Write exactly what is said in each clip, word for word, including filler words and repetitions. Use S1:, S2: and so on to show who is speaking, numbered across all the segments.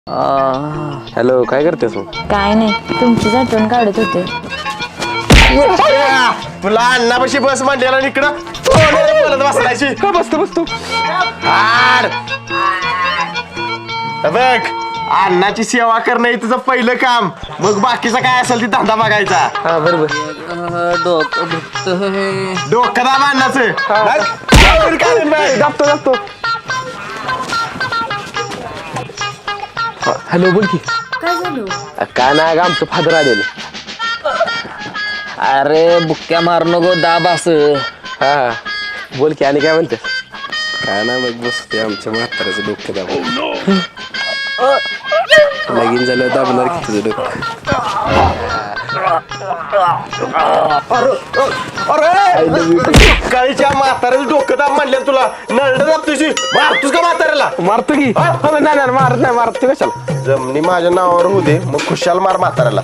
S1: Hello, काय करतेस मग?
S2: काय नाही, तुमचीच आठवण काढत होते.
S3: तुला अण्णापाशी बस मांडलेला इकडं बोलत बसलायची
S1: का बसतो बसतो
S3: हार बघ, अण्णाची सेवा करणं हे तुझं पहिलं काम, मग बाकीचा काय असेल ती धंदा बघायचा.
S1: हा बरोबर.
S3: डोकं दाब अण्णाचं.
S1: दाबतो दाबतो. हॅलो, बोल की.
S2: काय झालं?
S1: काय नाही का, आमचं फादर आलेलं.
S4: अरे बुक्क्या मार नको, दाब अस.
S1: हा बोल की, आणि काय म्हणते? काय नाही, मग बसते आमच्या म्हाताऱ्याचं डोकं दाबून. लगीन झालं दाबणार की तुझं डोकं.
S3: काळीच्या म्हाताऱ्याचं डोकं दाब म्हणलं तुला. नरड दाब तुझी. मारतोस का म्हाताऱ्याला?
S1: मारतो की. नाही नाही मारत नाही, मारतो कशाला.
S3: जमनी माझ्या नावावर होऊ दे, मग खुशाल मार म्हाताऱ्याला.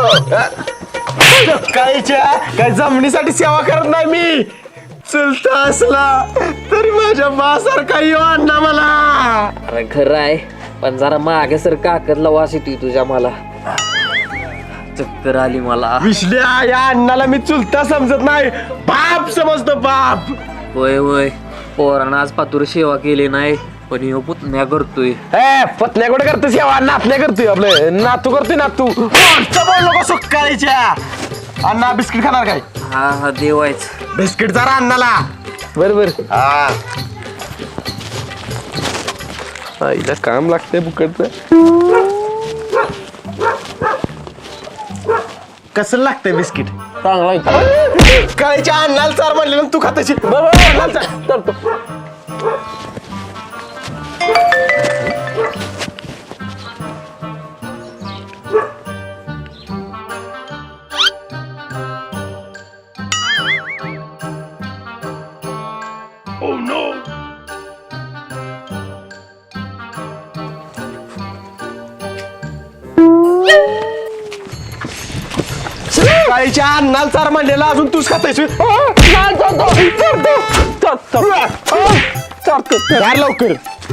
S3: काळीच्या काय जमिनीसाठी सेवा करत नाही मी. चुलता असला तरी माझ्या बासारखा येऊ अण्णा मला.
S4: अरे खरं आहे, पण जरा मागे सर काकतला वास येतोय तुझ्या. मला चक्कर आली मला.
S3: विश्ल्या, या अण्णाला मी चुलता समजत नाही, बाप समजतो बाप.
S4: होय होय, पोरानं आज पातूर सेवा केली नाही, पण ह्यो पुतण्या करतोय.
S1: ए पत्न्या कुठे करतो सेवा? नातण्या करतोय, आपलं नातू करतोय नातू.
S3: बोल नको सुकाळीच्या. अण्णा बिस्किट खाणार काय?
S4: हा हा देवायच.
S3: बिस्किट जरा अण्णाला.
S1: बरोबर.
S3: हा
S1: आईला काम लागतंय बुकडचं.
S3: कसं लागतंय बिस्किट?
S1: चांगला आहे.
S3: काळीच्या अण्णाला चार म्हणले तू खाताची.
S1: चालतो.
S3: काळीच्या अण्णाला चार म्हणलेला अजून तूच खातायची. चार लवकर.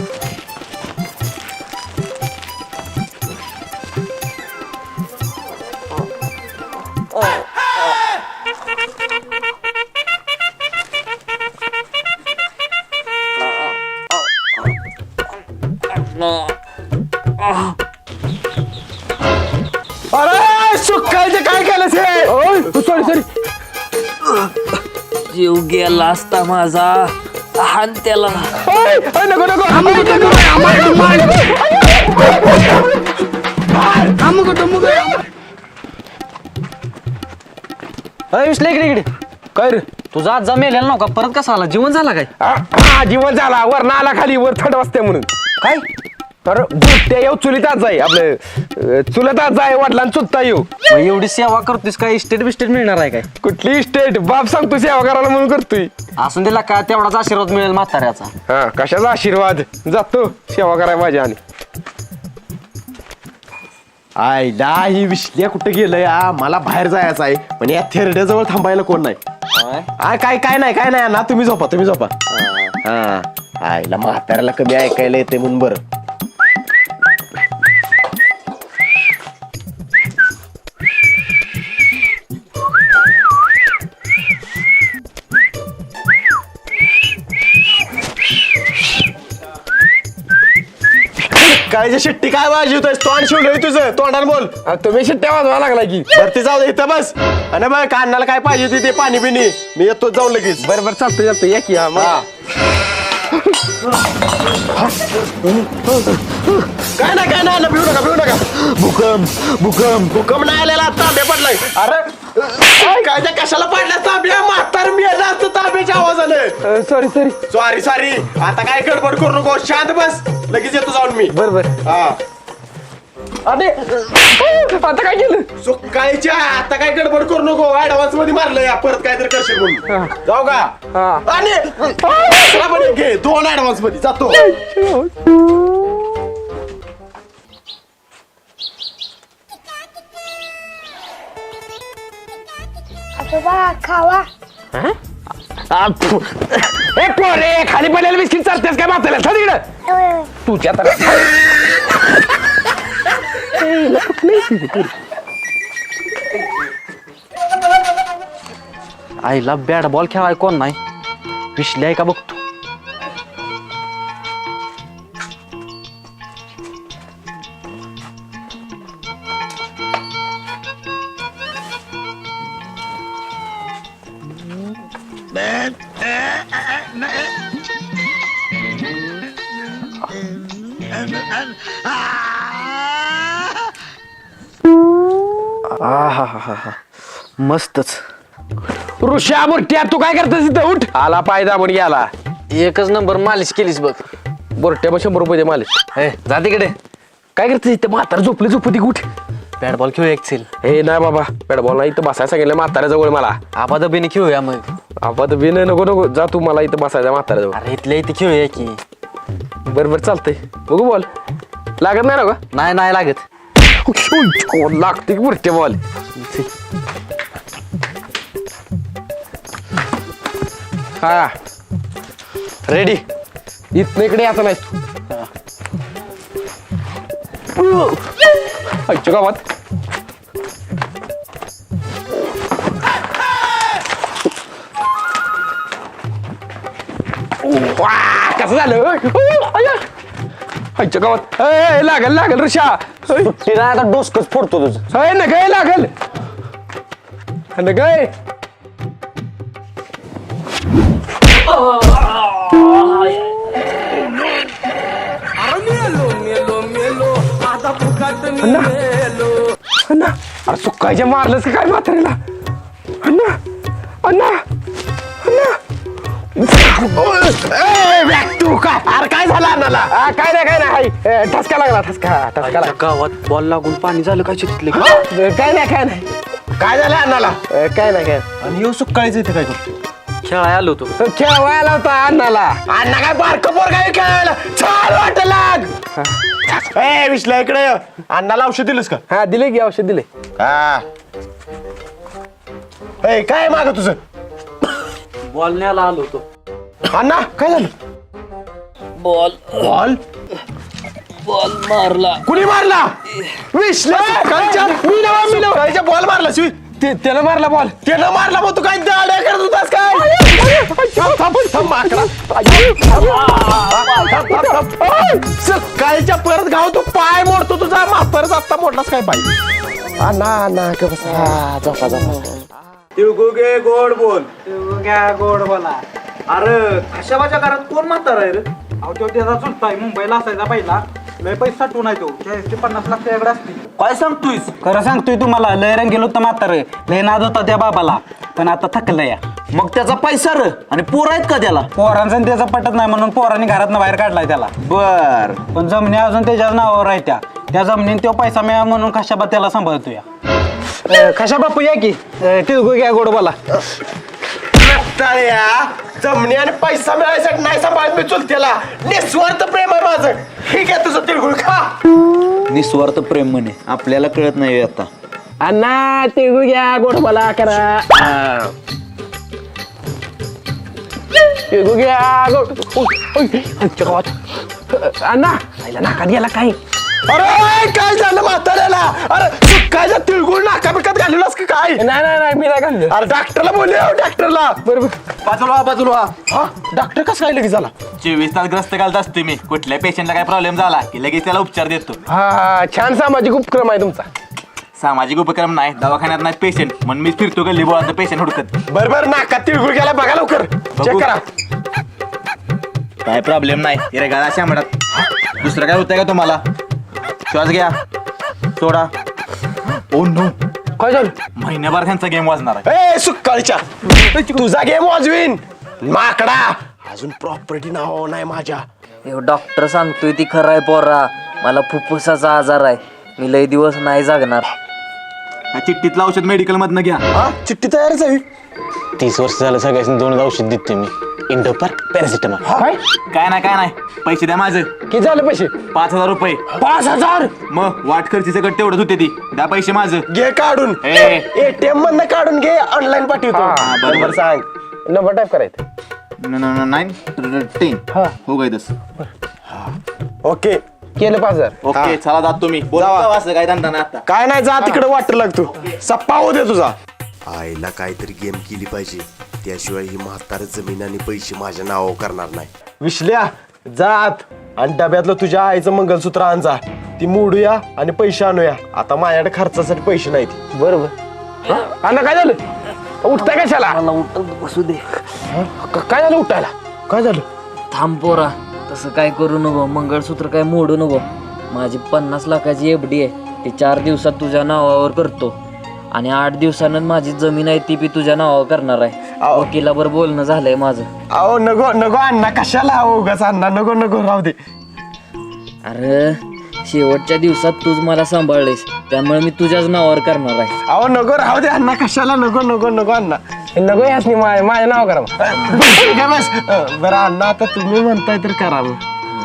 S3: अरे सुकायचं काय केलंस हे?
S1: Sorry sorry.
S4: जीव गेला असता माझा. हान त्याला.
S1: नको नको.
S5: विश्ले इकडे इकडे.
S1: काय रे?
S5: तुझा आज जमेल नव्हता, परत कसा आला? जीवन झाला काय?
S1: हा जीवन झाला. वर ना आला खाली, वर थंड वाजते म्हणून.
S5: काय
S1: तर बुट्ट्या येऊ चुलीतात जाई, आपलं चुलतात जाय, वडिलां चुलता येऊ.
S5: मग एवढी सेवा करतोस काय? इस्टेट बिस्टेट मिळणार आहे काय?
S1: कुठली स्टेट? बाप सांगतो सेवा करायला म्हणून करतोय.
S5: असून दिला काय, तेवढाच आशीर्वाद मिळेल म्हाताऱ्याचा.
S1: हा कशाचा आशीर्वाद? जातो सेवा करायला माझ्या. आणि
S3: आईला ही विश्ल्या कुठे गेलं या? मला बाहेर जायचं आहे, पण या थेरड्याजवळ थांबायला कोण नाही. आ, काय काय नाही काय नाही ना, तुम्ही झोपा तुम्ही झोपा. हा आईला म्हाताऱ्याला कमी ऐकायला येते म्हणून बरं. काळीच्या शिट्टी काय वाजवतोय? तोंड शिवलंय तुझं, तोंडाने बोल.
S1: आ, तुम्ही शिट्ट्या वाजवा लागला की.
S3: वरती जाऊ दे, इथं बस. आणि बघ कानाला काय पाहिजे ते दे, पाणी बिणी. मी येतो जाऊन लगेच.
S1: बरं बरं चालतं चालतं, या की. हा मग
S3: काय ना काय ना, भिऊ नका भिऊ नका. भूकंप भूकंप भूकंप नाही आलेला, तांबे पडलाय. अरे काय त्या कशाला पडल्या तांब्या? म्हातार मी असतं तांब्याच्या आवाजाने.
S1: Sorry sorry.
S3: Sorry sorry. आता काय गडबड करू नको, शांत बस. लगेच येतो जाऊन मी.
S1: बरं बरं.
S3: हा
S1: अरे आता काय केलं?
S3: सुकाळीच्या आता काय गडबड करू नको. ऍडव्हान्स मध्ये मारलं या, परत काहीतरी करशील म्हणून. जाऊ का?
S1: हा.
S3: आणि दुसरा पण एक घे, दोन ऍडव्हान्स मध्ये जातो.
S2: आजोबा खावा.
S1: ए पोरे, खाली पडलेलं बिस्किट चालतेस काय? माताला तिकडं तुझ्या तर आईला कुठं नाही ती?
S5: आईला बॅट बॉल खेळाय कोण नाही विश्ले आहे का बघतो. आहाहाहा. मस्तच.
S3: ऋषा बुरट्या तू काय करतेस इथं उठ आला पाय दाबून गेला
S5: एकच नंबर मालिश केलीस बघ.
S3: बुरट्या मग शंभर रुपये दे मालिक
S5: ए जा तिकडे.
S3: काय करतेस इथं म्हातारा झोपली झोपती उठ
S5: बॅट बॉल खेळूया एक चिल.
S3: हे नाही बाबा बॅट बॉल नाही इथं बसायला सांगितलं म्हाताऱ्याजवळ मला.
S5: आबादबीने खेळूया मग.
S3: आपण बिन नको नको जा तू मला इथं बसायचं म्हाताऱ्याजवळ.
S5: अरे इथल्या इथे खेळूया की.
S3: बरं बरं चालतंय बघू बॉल लागत नाही ना का
S5: नाही नाही लागत.
S3: लागते की बुरट्या बॉल. हा रेडी इथनं इकडे यायचं नाही तू आजच्या गावात कसं झालं आजच्या गावात ए, लागल लागल ऋषा
S5: तिला आता डोसकच फोडतो तुझं.
S3: अय न गय लागल न गय अण्णा अण्णा अरे सुकायच्या मारलंस का काय म्हातारीला अण्णा अण्णा अण्णा तू काय अरे काय झालं अण्णाला काय नाही काय नाही हाय, ठसका लागला ठसका ठसका लागला.
S5: गावात बॉल लागून पाणी झालं काय चितले.
S3: काय नाही काय नाही काय झालं अण्णाला काय नाही काय
S5: आणि येऊ सुकाळीच इथे काय करतो. खेळाय आलो होतो.
S3: खेळवायला होता अण्णाला अण्णा काय बारक पोर काय खेळायला छान वाटत लाग ए विश्ला इकडे ये. अण्णाला औषध दिलंस का हा दिले की औषध दिले हा ए काय माग तुझं
S5: बॉल न्यायला आलो होतो.
S3: अण्णा काय झालं
S5: बॉल
S3: बॉल
S5: बॉल मारला.
S3: कुणी मारला विश्ला कालच्या मी नवा मी नवा कालच्या बॉल मारला शिवी ते त्यानं मारला बॉल त्यानं मारला मग तू काय दाड्या करत होतास काय थांब थांब थांब माकडा सकाळच्या परत गाव तू पाय मोडतो तुझा म्हातारच आत्ता मोडलास काय पाय अण्णा अण्णा का बस हा झोपा झोपा
S6: तिळगुगे गोड बोल तिळगुग्या गोड बोला. अरे कशाबाच्या घरात कोण म्हातारा आहे रे? अहो तो त्याचा चुलता आहे मुंबईला असायचा पहिला लय पैसा साठवून आहे तो चाळीस ते पन्नास लाख त्याकडे असतील.
S5: काय सांगतोयस. खरं सांगतोय तुम्हाला लय रंग गेलो होतं म्हातारं लय नाद होता त्या बाबाला पण आता थकलं या.
S6: मग त्याचा पैसा र आणि पोर आहेत का त्याला?
S5: पोरांचा आणि त्याचा पटत नाही म्हणून पोरांनी घरातनं बाहेर काढलाय त्याला.
S6: बर
S5: पण जमिनी अजून त्याच्याच नावावर आहे त्या त्या जमिनीत तो पैसा मिळा म्हणून कशाबा त्याला सांभाळतोय. कशा बापू या की तिळगुळ घ्या गोड बोला.
S3: जमणी आणि पैसा मिळायसाठी नाही सांभाळत मी चुलत्याला निस्वार्थ प्रेम आहे माझं ठीक आहे तुझं तिळगुळ खा
S6: निस्वार्थ प्रेम म्हणे आपल्याला कळत नाही आता.
S3: अण्णा तिळगुळ घ्या गोड बोला करा तिळगुळ घ्या गोड आमच्या गावात अण्णा आईला नाकात गेला काय अरे काय झालं म्हाताऱ्याला अरे सुकायचा तिळगुळ नाका बिकत घालूनस का काय नाही नाही नाही मी नाही घाललो अरे डॉक्टरला बोलले डॉक्टरला बरोबर
S6: बाजूला बाजूला
S3: हा डॉक्टर कसं काय लगेच झाला
S6: चोवीस तास ग्रस्त घालत असतो मी कुठल्या पेशंटला काय प्रॉब्लेम झाला की लगेच त्याला उपचार देतो.
S3: हा छान सामाजिक उपक्रम आहे तुमचा.
S6: सामाजिक उपक्रम नाही दवाखान्यात नाही पेशंट म्हणून मी फिरतो गल्ली बोळात पेशंट हुडकत.
S3: बर बर नाकात तिळगुळ गेला बघा लवकर चेक करा
S6: काय प्रॉब्लेम नाही रे गाळा अशा म्हणत. दुसरं काय होतंय का तुम्हाला? श्वास घ्या सोडा. ओ नो
S3: काय झालं
S6: महिन्याभर त्यांचा गेम वाजणार आहे.
S3: ए सुक्काळीच्या तुझा गेम वाजवीन माकडा अजून प्रॉपर्टी नाव नाही माझ्या.
S4: डॉक्टर सांगतोय ती खरं आहे पोरा मला फुफ्फुसाचा आजार आहे मी लय दिवस नाही जागणार.
S6: या चिठ्ठीतलं औषध मेडिकल मधनं घ्या.
S3: हा चिठ्ठी तयारच आहे
S7: तीस वर्ष झालं सगळ्यांनी दोन औषध देते मी इंडोपर पॅरासिटामॉल.
S3: काय
S6: काय नाही काय नाही पैसे द्या माझं.
S3: किती झाले पैसे
S6: पाच हजार रुपये.
S3: पाच हजार
S6: मग वाट खर्ची सगळं तेवढंच होते ती द्या पैसे माझं.
S3: घे काढून
S6: ए.
S3: एटीएम मधनं काढून घे ऑनलाईन पाठवतो
S6: हा, बरोबर.
S3: बरोबर सांग नंबर टाईप करायचं
S6: नाईन टेन हो गई दस.
S3: ओके
S1: केलं पाच हजार
S6: ओके चला जात तुम्ही बोला असं काय धंदा नाही आता
S3: काय नाही जा तिकडे वाटर लागतो सप्पा होऊ दे तुझा आईला काहीतरी गेम केली पाहिजे त्याशिवाय ही म्हातार जमीन आणि पैसे माझ्या नावावर करणार नाही विश्ल्या जात आणि डब्यातलं तुझ्या आईचं मंगलसूत्र आण जा ती मोडूया आणि पैसे आणूया आता माझ्याकडे खर्चासाठी पैसे नाहीत
S1: बरोबर अण्णा काय झालं उठताय कशाला
S4: मला उठत बसू दे.
S1: क- काय झालं उठायला
S3: काय झालं
S4: थांब पोरा, तसं काय करू नको, मंगळसूत्र काय मोडू नको. माझी पन्नास लाखाची एफ डी आहे, ती चार दिवसात तुझ्या नावावर करतो आणि आठ दिवसानं माझी जमीन आहे ती बी तुझ्या नावावर करणार आहे. वकिलाबर बोलणं झालंय माझं.
S3: अहो नको नको अण्णा कशाला अहो उगाच अण्णा नको नको राहू दे.
S4: अरे शेवटच्या दिवसात तूच मला सांभाळलेस, त्यामुळे मी तुझ्याच नावावर करणार आहे.
S3: अहो नको राहू दे अण्णा कशाला नको नको नको अण्णा
S1: नको याच नाही माझ्या माझ्या नाव करा मग.
S3: काय बस अं, बरं अण्णा आता तुम्ही म्हणताय तर करा मग.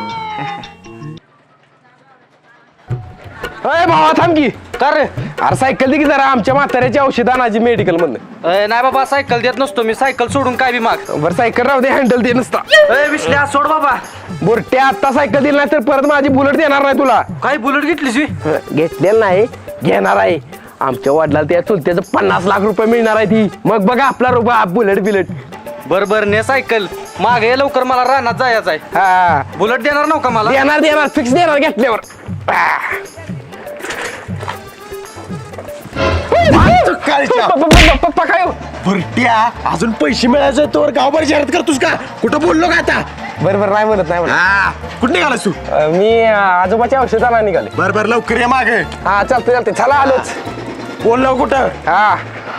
S1: अय भावा थांब की कर रे अरे सायकल दे की जरा आमच्या म्हाताऱ्याची औषध आणायची मेडिकल मधनं.
S5: नाही बाबा सायकल देत नसतो मी, सायकल सोडून काय बी माग.
S1: बरं सायकल राहू दे हँडल दे नसता
S5: विश्ल्या सोड बाबा.
S1: बुरट्या आता सायकल दिली नाही तर परत माझी बुलेट देणार नाही तुला.
S5: काय बुलेट घेतलीस मी?
S1: घेतलेलं नाही घेणार आहे. आमच्या वडिलाला त्या चुलत्याचं पन्नास लाख रुपये मिळणार आहे ती, मग बघा आपला रुपया बुलेट बिलेट.
S5: बर बर ने सायकल मागे ये लवकर, मला रानात जायचं आहे.
S1: हा
S5: बुलेट देणार नव्हता मला?
S1: देणार देणार फिक्स देणार घेतल्यावर.
S3: कालच्या
S1: पप्पा काय हो?
S3: बुरट्या अजून पैसे मिळायचे तोवर गावभर जाहिरात करतोस का कुठं बोललो का आता
S1: बरं बरं नाही म्हणत नाही म्हणत.
S3: हा कुठं निघालास तू
S1: अं, मी अं, आजोबाच्या औषधाला निघाले.
S3: बर बर लवकर ये मागे
S1: हा चालतंय चालतंय चला आलोच.
S3: बोललो कुठं
S1: हा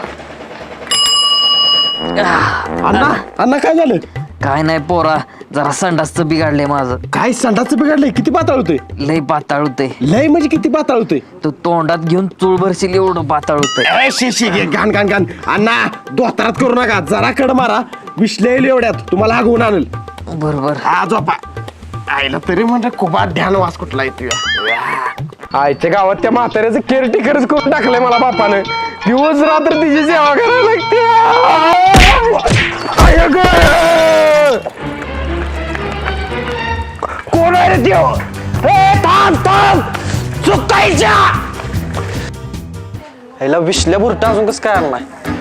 S3: अण्णा अण्णा काय झालं
S4: काय नाही पोरा, जरा संडासचं बिघडलंय माझं.
S3: काय संडाचं बिघडलंय किती पाताळ होतोय
S4: लय पाताळ होतंय.
S3: लय म्हणजे किती पाताळ होतोय
S4: तू तोंडात घेऊन चूळ भरशील एवढं पाताळ होतंय.
S3: ए, शी शी घे घाण घाण घाण अण्णा दोतारात करू नका जरा कड मारा विश्लेल एवढ्यात तुम्हाला हागवून आणल
S4: बरोबर.
S3: हा झोपा आईला तरी म्हणजे खूप ध्यान वास कुठला येतोय
S1: आईच्या गावात त्या म्हाताऱ्याचं केअरटेकरच करून टाकलंय मला बापानं. दिवस रात्र तिची सेवा करायला लागते. आय गं! कोण आहे रे त्यो? ए, थांब थांब चुकायच्या
S5: ह्याला विश्ल्या बुरटा अजून कसं काय आणलाय?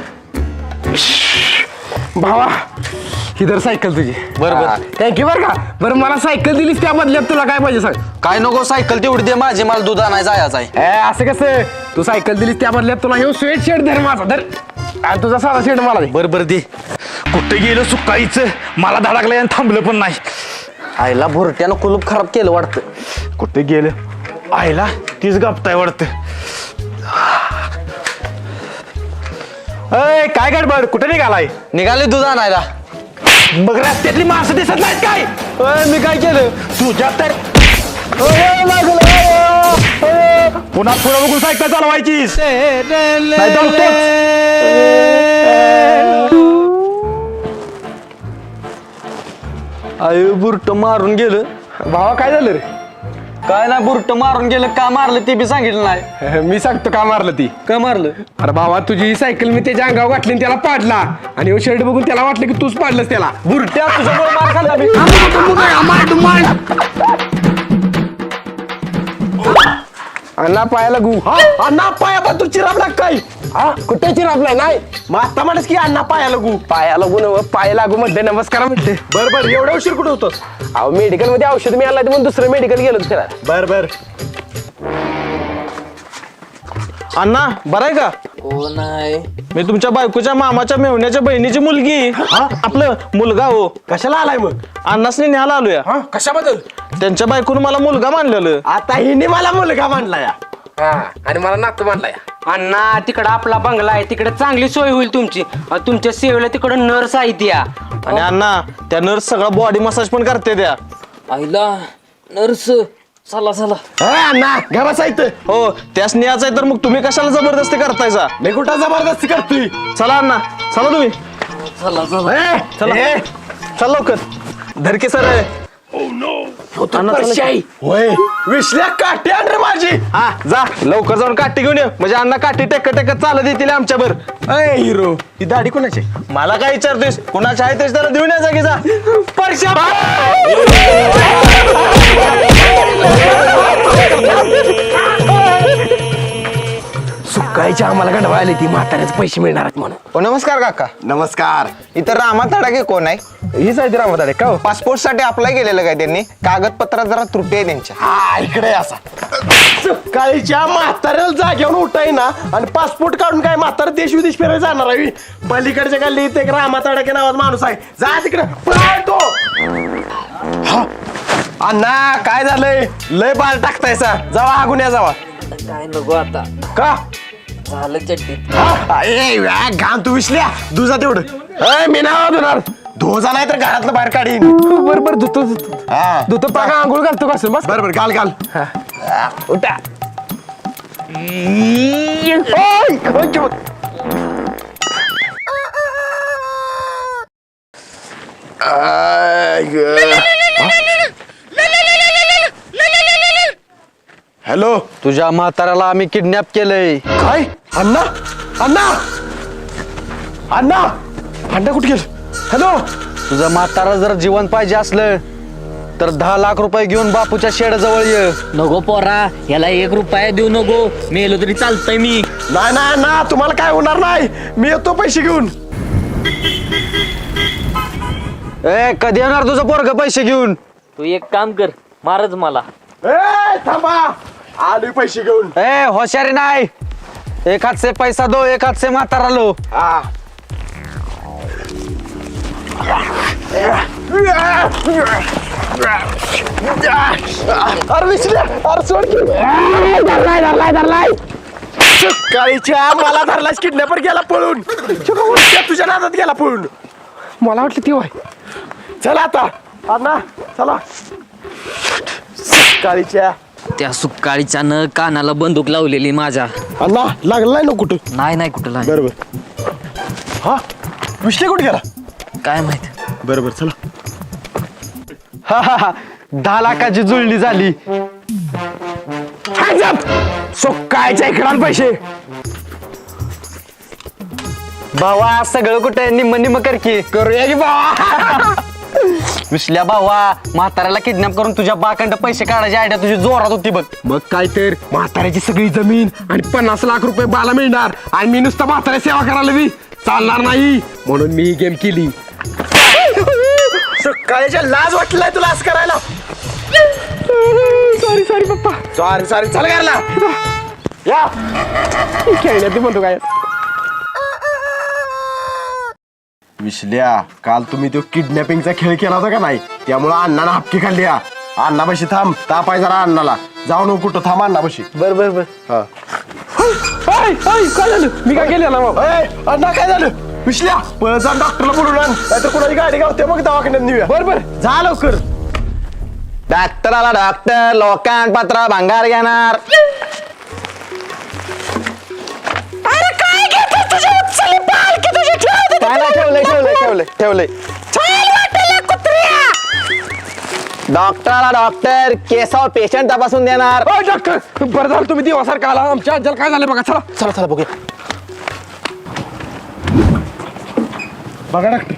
S1: भावा ही तर सायकल तुझी.
S5: बरोबर.
S1: थँक्यू बरं का. बरं मला सायकल दिलीस त्या बदल्यात तुला काय पाहिजे सांग.
S5: काय नको, सायकल तेवढी दे माझी, मला दूध आणायला जायचं आहे.
S1: ए असं कसं, तू सायकल दिलीस त्या बदल्यात तुला हे स्वेट शर्ट धर माझा धर आणि तुझा साधा शर्ट मला दे.
S6: बर बर दे. कुठे गेलं सुकाईचं, मला धडकलं आणि थांबलं पण नाही.
S5: आईला भुरट्यानं कुलूप खराब केलं वाटतं.
S6: कुठे गेलं आईला तीच गपताय वाटतं. अय काय गडबड कुठे निघालाय?
S5: निघाले दूध आणायला.
S6: मग रस्त्यातली माणसं दिसत नाहीत काय?
S5: अय, मी काय केलं?
S6: तुझ्या तर पुन्हा पुढे बघून सायकल चालवायचीस नाही दमतोच.
S5: आय बुरट मारून गेलं.
S1: भावा काय झालं रे?
S5: काय नाही, बुरट मारून गेलं. का मारलं ते बी सांगितलं नाही.
S1: मी सांगतो का मारलं ती.
S5: का मारलं?
S1: अरे भावा तुझी सायकल मी त्याच्या अंगावर घातली आणि त्याला पाडला आणि हे शर्ट बघून त्याला वाटलं की तूच पाडलंस त्याला.
S5: बुरट्या तुझ्यामुळे मार खाल्ला मी.
S1: अण्णा पायाला गु.
S3: हा अण्णा पाया पण तू चिराबला काय
S1: हा कुठे चिरापलाय नाही
S3: मग आता म्हणस की अण्णा पाया लागू
S1: पाया लागू नव पाय लागू म्हणते नमस्कार म्हणते.
S3: बर बर एवढ्या उशीर कुठं होतोस
S1: अहो मेडिकल मध्ये औषध मिळालं म्हणून दुसरं मेडिकल गेलो होतो त्याला.
S3: बर बर
S5: अण्णा बरं आहे का?
S4: हो नाही,
S5: मी तुमच्या बायकोच्या मामाच्या मेवण्याच्या बहिणीची मुलगी. आपलं मुलगा हो.
S3: कशाला आलाय मग
S5: अण्णासनी न्यायला आलोया.
S1: कशाबद्दल?
S5: त्यांच्या बायकोनं मला मुलगा मानलेलं.
S3: आता हिने मला मुलगा मानला या
S1: हा आणि मला नातू मानलाय.
S8: अण्णा तिकडं आपला बंगला आहे, तिकडे चांगली सोय होईल तुमची. अ, तुमच्या सेवेला तिकडं नर्स आहे त्या.
S5: आणि अण्णा त्या नर्स सगळा बॉडी मसाज पण करते त्या.
S4: आईला नर्स. चला चला.
S3: अण्णा घरा साहित्य
S5: हो त्यास न्यायचं आहे तर मग तुम्ही कशाला जबरदस्ती करतायचा?
S3: मी कुठं जबरदस्ती करतोय
S5: चला अण्णा चला तुम्ही.
S4: चला चला.
S3: ए,
S5: चला
S3: ए,
S5: चल लवकर. धरके सर
S3: होय विसल्या काठी आण रे माझी. हा जा लवकर जाऊन काठी घेऊन ये म्हणजे अण्णा काठी टेक टेकत चालत येतील आमच्या बर. अय हिरो ही दाढी कोणाची? मला काय विचारतोस कोणाची आहे तेच त्याला देऊन या जागी जा. परशा सुकायच्या आम्हाला गंडवायला ती म्हाताऱ्याचे पैसे मिळणार आहेत म्हणून.
S6: ओ नमस्कार काका.
S3: नमस्कार.
S6: इथं रामा तडाके कोण आहे?
S3: हीच आहे ती रामदाडे का हो?
S6: पासपोर्ट साठी अप्लाय केलेलं काय त्यांनी? कागदपत्रात जरा त्रुटी आहे त्यांच्या.
S3: हा इकडे असा सकाळीच्या म्हाताऱ्याला जाग्यावर उठाय ना आणि पासपोर्ट काढून काय म्हातारा देश विदेश फिरायला जाणार आहे. पलीकडच्या गल्लीत एक रामा तडाके नावाचा माणूस आहे जा तिकडे पळतो. हा अण्णा काय झालंय लय बाल टाकतायसा जावा आगुन्या जावा.
S4: काय नको आता
S3: का
S4: झालं चड्डी.
S3: हा? ए, व्या, घाण तू विसल्या दुजा तेवढं. ए, मी नाव धुणार धोजा नाही तर घरातलं बाहेर काढीन. बरोबर धुतो धुतो हा धुतो पाका आंघोळ घालतो कसं बस बरोबर घाल घाल. उठा ओय, ओय, ओय. आय, ग. हॅलो
S5: तुझ्या म्हाताऱ्याला आम्ही किडनॅप केलंय.
S3: काय अण्णा अण्णा अण्णा अण्णा कुठे गेलं? हॅलो
S5: तुझं म्हातारा जर जिवंत पाहिजे असलं तर दहा लाख रुपये घेऊन बापूच्या शेडाजवळ ये.
S4: नको पोरा याला एक रुपया देऊ नको मेलो तरी चालतंय मी.
S3: नाही नाही ना तुम्हाला काय होणार नाही मी येतो पैसे घेऊन.
S5: ए कधी येणार तुझं पोरग पैसे घेऊन?
S4: तू एक काम कर मारच मला.
S3: ए थांबा आलोय पैसे घेऊन.
S5: ए होशारी नाही एक हात से पैसा दो एक हात से म्हातारा लो.
S3: हा अरे विसल्या अरे सोड की. धरलाय धरलाय धरलाय सकाळीच्या मला धरलास किडनॅपर गेला पळून. त्या तुझ्या नादात गेला पळून मला वाटलं ती वाय. चला आता अण्णा चला सकाळीच्या.
S4: त्या सुकाळीच्या न कानाला बंदूक लावलेली माझ्या.
S3: अण्णा लागलाय ना कुठं?
S4: नाही नाही कुठं नाही.
S3: बरोबर हा विसले कुठे गेला
S4: काय माहित.
S3: बरोबर चला.
S5: हा हा हा दहा लाखाची जुळणी झाली.
S3: सोकायच्या इकडं पैसे.
S5: भावा सगळं कुठे निम्म निम्म कर की.
S3: करूया की बाबा.
S5: विसल्या भावा म्हाताऱ्याला किडनॅप करून तुझ्या बाकंड पैसे काढायची आयडिया तुझी जोरात होती बघ.
S3: मग काय तर म्हाताऱ्याची सगळी जमीन आणि पन्नास लाख रुपये बाला मिळणार आणि मी नुसतं म्हाताऱ्या सेवा करायला बी चालणार नाही म्हणून मी गेम केली. सकाळच्या लाज वाटलाय तुला असं करायला. सॉरी सॉरी पप्पा सॉरी सॉरी चल घरला या खेळण्यात म्हणतो काय. विसल्या काल तुम्ही तो किडनॅपिंगचा खेळ केला होता का नाही त्यामुळे अण्णानं हपकी खाल्ली. अण्णापाशी थांब तापाय जरा अण्णाला जाऊ नको कुठं थांब अण्णापाशी. बर बर बर हा काय झालं मी काय केलं ना अण्णा काय झालं? विसल्या पळ जा डॉक्टरला बोलून आण नाहीतर कोणाची गाडी गावते मग दवाखान्यात नेऊया. बर बर जा लवकर.
S6: डॉक्टराला डॉक्टर लोकांपत्र भंगार घेणार. ठेवलंय ठेवलंय ठेवलंय ठेवलंय. डॉक्टराला डॉक्टर केसावर पेशंट तपासून देणार.
S3: डॉक्टर बरं झालं तुम्ही दिवासारखा आला आमच्या आज्याला काय झालं बघा. चला
S6: चला चला बघूया.
S3: बघा डॉक्टर.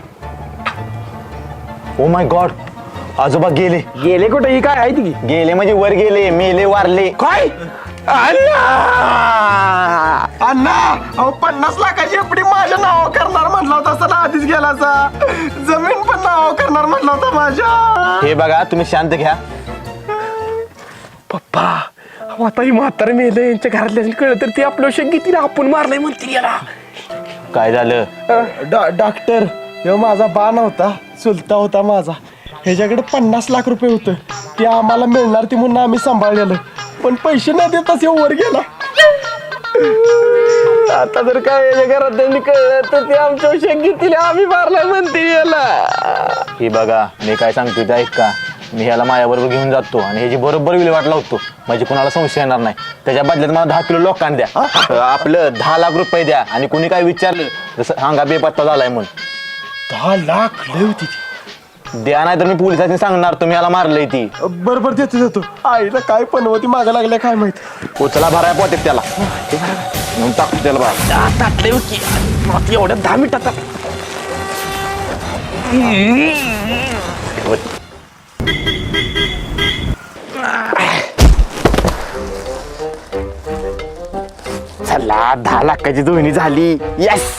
S6: ओ माय गॉड आजोबा गेले.
S3: गेले कुठे ही काय आहे ती
S6: गेले म्हणजे वर गेले मेले वारले.
S3: काय अण्णा अण्णा अहो पन्नास लाखाची एफडी माझ्या नाव करणार म्हटलं होता असं आधीच गेलाचा. जमीन पण नाव करणार म्हटलं होता माझ्या.
S6: हे बघा तुम्ही शांत घ्या.
S3: पप्पा अहो आता ही म्हातारे मेलं यांच्या घरातल्या कळलं तर ते आपलं शक घेतील आपण मारलंय म्हणतील याला.
S6: काय झालं?
S3: डॉक्टर हे माझा बा नव्हता चुलता होता माझा. ह्याच्याकडे पन्नास लाख रुपये होतं ते आम्हाला मिळणार ती म्हणून आम्ही सांभाळलेलं पण पैसे न देताच हे वर गेला. आता जर काय याच्या घरात त्यांनी कळलं तर ते आमच्या शक घेतील आम्ही मारलाय म्हणतील याला.
S6: हे बघा मी काय सांगतो ते ऐका. मी ह्याला माझ्याबरोबर घेऊन जातो आणि ह्याची बरोबर विल्हेवाट लावतो म्हणजे कुणाला संशय येणार नाही. त्याच्या बदल्यात मला दहा किलो लोकांना द्या. आपलं दहा लाख रुपये द्या आणि कुणी काय विचारलं जसं सांगा बेपत्ता झालाय म्हणून.
S3: दहा लाख लय होती ती.
S7: द्या नाही तर मी पोलिसांनी सांगणार तुम्ही याला मारलंय ती.
S3: बरं बरं देतो देतो. आईला काय पण होती मागा लागल्या काय माहित.
S7: उचला भराय पोटेत त्याला म्हणून टाकतो त्याला बाहेर.
S3: एवढ्या दहा मिनिटात चला दहा लाखाची दोन्ही झाली. येस.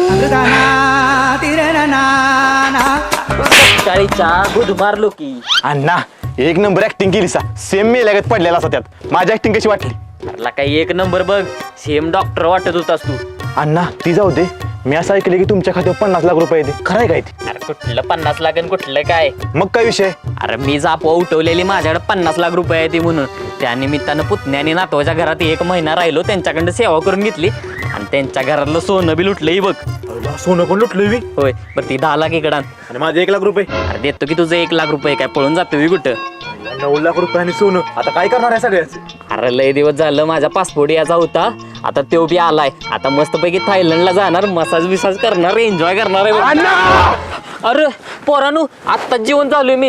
S4: सकाळीच्या गुद मारलो की.
S7: अण्णा एक नंबर ऍक्टिंग केली सा. सेम मेल्यागत पडलेला असा त्यात. माझी ऍक्टिंग कशी वाटली?
S4: अरला काही एक नंबर बघ. सेम डॉक्टर वाटत होतास तू.
S7: अण्णा ती जाऊ दे. मी असं ऐकलं की तुमच्या खात्यावर पन्नास लाख रुपये येते. खरंय काय ते?
S4: अरे कुठलं पन्नास लाख आणि कुठलं काय.
S7: मग काय विषय?
S4: अरे मी जापवा उठवलेली माझ्याकडे पन्नास लाख रुपये आहे ती म्हणून. त्या निमित्तानं पुतण्याने नातवाच्या घरात एक महिना राहिलो त्यांच्याकडं सेवा करून घेतली आणि त्यांच्या घरातलं सोनं बी लुटलंही बघ.
S7: सोनं पण लुटलोय मी.
S4: होय बरं ती दहा लाख इकडं आण.
S7: आणि माझे एक लाख रुपये.
S4: अरे देतो की तुझं एक लाख रुपये काय पळून जातो मी कुठं.
S7: नऊ लाख रुपये आणि सोनं. आता काय करणार आहे सगळ्याच?
S4: अरे लय दिवस झालं माझा पासपोर्ट याचा होता. आता तो बी आलाय. आता मस्तपैकी थायलंडला जाणार मसाज बिसाज करणार एन्जॉय करणार आहे बघ. अरे पोरानू आत्ताच जेवण चालू आहे मी.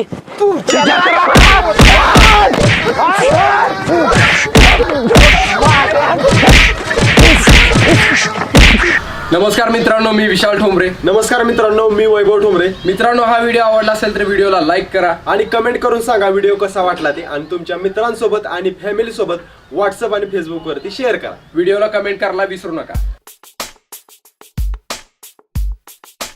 S1: नमस्कार मित्रांनो, मी विशाल ठोंबरे.
S3: नमस्कार मित्रांनो, मी वैभव ठोंबरे.
S1: मित्रांनो, हा व्हिडिओ आवडला असेल तर व्हिडिओला लाईक करा
S3: आणि कमेंट करून सांगा व्हिडिओ कसा वाटला ते. आणि तुमच्या मित्रांसोबत आणि फॅमिली सोबत व्हॉट्सअप आणि फेसबुक वरती शेअर करा.
S1: व्हिडिओला कमेंट करायला विसरू नका.